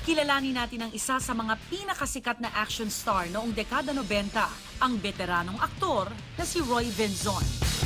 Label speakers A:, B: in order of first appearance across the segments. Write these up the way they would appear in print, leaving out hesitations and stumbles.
A: Kilalanin natin ang isa sa mga pinakasikat na action star noong dekada 90, ang veteranong aktor na si Roy Venzon.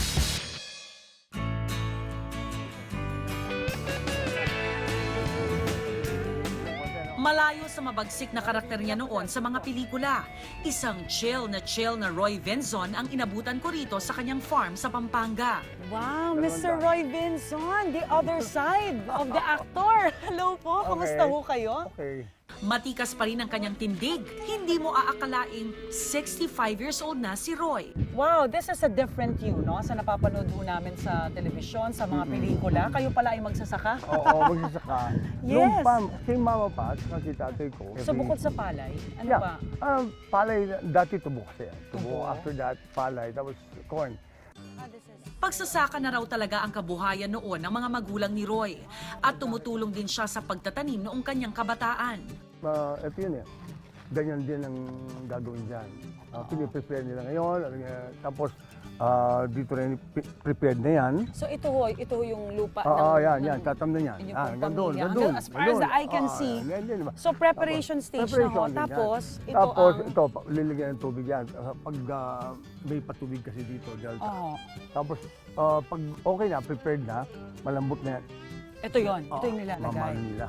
A: Malayo sa mabagsik na karakter niya noon sa mga pelikula. Isang chill na Roy Venzon ang inabutan ko rito sa kanyang farm sa Pampanga.
B: Wow, Mr. Roy Venzon, the other side of the actor. Hello po, kamusta ho kayo?
C: Okay.
A: Matikas pa rin ang kanyang tindig. Hindi mo aakalaing 65 years old na si Roy.
B: Wow, this is a different you, no? Sa napapanood ho namin sa telebisyon, sa mga pelikula. Kayo pala ay magsasaka?
C: Oo, magsasaka.
B: Yes.
C: Nung kay mama pa at si tatay ko.
B: So bukod sa palay, ano
C: Yeah.
B: pa?
C: Palay, dati tubo kasi.
B: Tubo.
C: After that, palay. Tapos corn.
A: Pagsasaka na raw talaga ang kabuhayan noon ng mga magulang ni Roy. At tumutulong din siya sa pagtatanim noong kanyang kabataan.
C: Ito yun eh. Ganyan din ang gagawin dyan. Piniprepare nila ngayon. Tapos dito rin prepared na yan.
B: So ito ho yung lupa
C: Oo,
B: ng...
C: yan. Tatam na yan.
B: inyong pong
C: Gandun,
B: pamilya.
C: gandun.
B: As far as the eye can see. So preparation stage na ho.
C: din yan.
B: Tapos
C: Tapos
B: ang...
C: ito, lilagyan ng tubig yan. Pag may patubig kasi dito, delta.
B: Oo.
C: Tapos pag okay na, prepared na, malambot na yan.
B: Ito yon, ito yung nilalagay.
C: Mamano nila.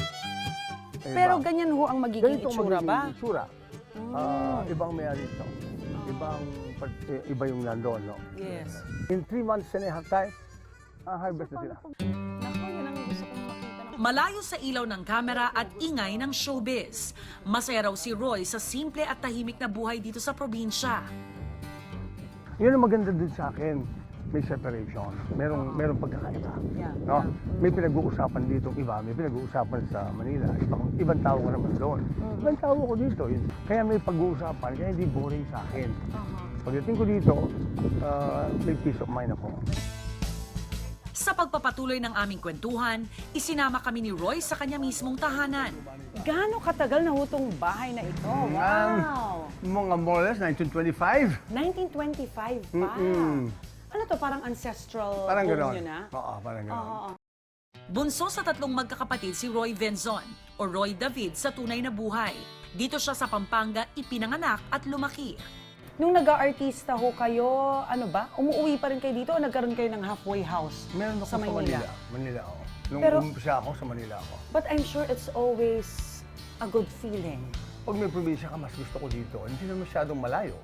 B: Pero ganyan ho ang magiging
C: Ganito
B: itsura
C: magiging
B: ba?
C: itsura. Ibang may-ari ito. Iba yung nandoon, no?
B: Yes.
C: In 3 months and a half time, harvest na sila.
B: Naku, yan ang gusto kong makita.
A: Malayo sa ilaw ng kamera at ingay ng showbiz. Masaya raw si Roy sa simple at tahimik na buhay dito sa probinsya.
C: Yun ang maganda din sa akin. May separation. Merong pagkakaiba.
B: Yeah,
C: No? May pinag-uusapan dito iba, may pinag-uusapan sa Manila. Ibang tao ko naman doon. Ibang tao ko dito. Kaya may pag-uusapan, kaya hindi boring sa akin. Pagdating ko dito, may peace of mind ako.
A: Sa pagpapatuloy ng aming kwentuhan, isinama kami ni Roy sa kanya mismong tahanan.
B: Gaano katagal na hutong bahay na ito? Wow!
C: Mga more or less, 1925.
B: 1925 pa. Ano to, parang ancestral
C: Parang
B: home
C: gano'n.
B: nyo na?
C: Oo, parang gano'n.
B: Oo.
A: Bunso sa 3 magkakapatid si Roy Venzon o Roy David sa tunay na buhay. Dito siya sa Pampanga ipinanganak at lumaki.
B: Nung nag-aartista ho kayo, ano ba? Umuwi pa rin kayo dito o nagkaroon kayo ng halfway house
C: Meron ako
B: sa Manila?
C: Manila, oo. Nung
B: Pero-
C: umpisa ako, sa Manila ako.
B: But I'm sure it's always a good feeling.
C: Pag may probinsya ka, mas gusto ko dito. Hindi na masyadong malayo.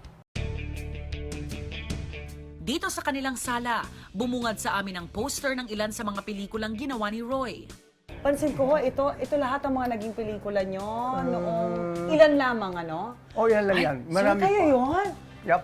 A: Dito sa kanilang sala, bumungad sa amin ang poster ng ilan sa mga pelikulang ginawa ni Roy.
B: Pansin ko ho, ito lahat ang mga naging pelikula nyo noong ilan lamang, ano?
C: Oh, yan lang yan. Marami
B: so kayo
C: pa.
B: yun?
C: Yup.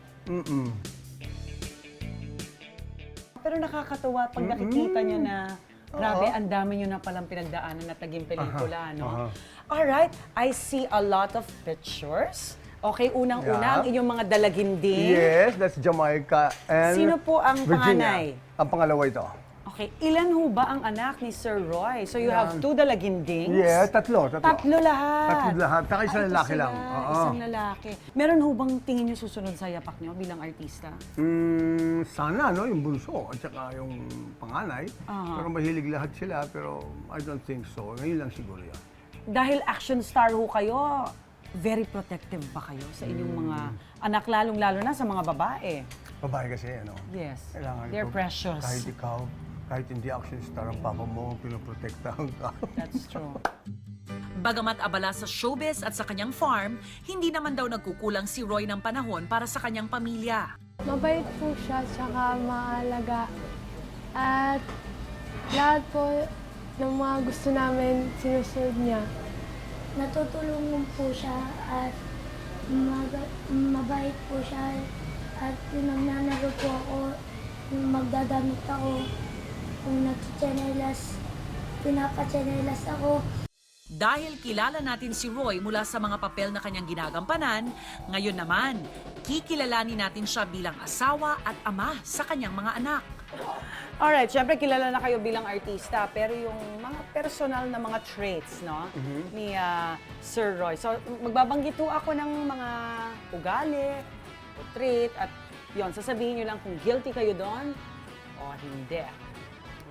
B: Pero nakakatuwa pag nakikita nyo na grabe, ang dami nyo na palang pinagdaanan at naging pelikula, no? Alright, I see a lot of pictures. Okay, unang-una, ang
C: Yeah.
B: inyong mga dalaginding.
C: Yes, that's Jamaica and
B: Sino po ang
C: Virginia.
B: panganay?
C: Ang pangalawa ito.
B: Okay, ilan ho ba ang anak ni Sir Roy? So you have 2 dalagindings?
C: Yes, tatlo.
B: Tatlo lahat.
C: Tatlo lahat. Saka isang
B: Ito
C: lalaki
B: sila,
C: lang. Oo.
B: Isang lalaki. Meron ho bang tingin nyo susunod sa yapak nyo bilang artista?
C: Sana, no? Yung bunso at saka yung panganay. Pero mahilig lahat sila, pero I don't think so. Ngayon lang siguro yan.
B: Dahil action star ho kayo, very protective ba kayo sa inyong mga anak, lalong-lalo na sa mga babae?
C: Babae kasi, ano?
B: Yes,
C: Kailangan
B: they're
C: ko-
B: precious.
C: Kahit ikaw, kahit hindi action star ang papa mo, pinoprotektahan ka.
B: That's true.
A: Bagamat abala sa showbiz at sa kanyang farm, hindi naman daw nagkukulang si Roy ng panahon para sa kanyang pamilya.
D: Mabait po siya, tsaka maalaga. At lahat po ng mga gusto namin, sinusunod niya.
E: Natutulungan po siya at mabait po siya at kung nagnanaro po ako, kung magdadamit ako, kung nagchichanelas, pinapachanelas ako.
A: Dahil kilala natin si Roy mula sa mga papel na kanyang ginagampanan, ngayon naman, kikilalanin natin siya bilang asawa at ama sa kanyang mga anak.
B: Alright, syempre kilala na kayo bilang artista, pero yung mga personal na mga traits, no, ni Sir Roy. So, magbabanggit po ako ng mga ugali, o trait, at yon sasabihin nyo lang kung guilty kayo doon o hindi.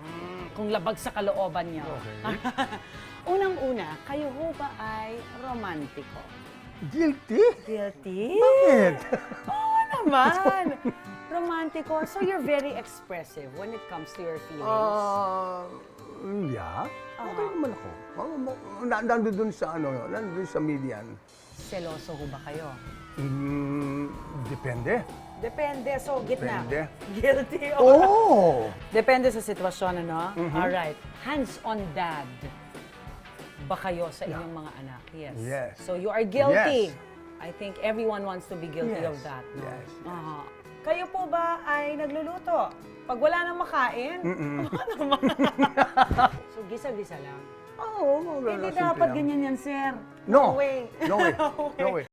B: Kung labag sa kalooban niyo.
C: Okay.
B: Unang-una, kayo ho ba ay romantiko?
C: Guilty?
B: Guilty?
C: Bakit?
B: Oo naman! Romantiko. So you're very expressive when it comes to your feelings.
C: Yeah. Okay naman ako. Nandun dun sa nandun sa median.
B: Seloso ho ba kayo?
C: Depende.
B: Depende. So, gitna.
C: Depende.
B: Guilty.
C: Oh!
B: Depende sa sitwasyon, ano? Alright. Hands-on dad ba kayo sa inyong mga anak? Yes.
C: Yes.
B: So, you are guilty.
C: Yes.
B: I think everyone wants to be guilty
C: Yes.
B: of that, no?
C: Yes, yes.
B: Aha. Kayo po ba ay nagluluto? Pag wala nang makain? So, gisa-gisa lang.
C: Oo,
B: Hindi dapat ganyan yan, sir.
C: No.
B: way.
C: No way. No way.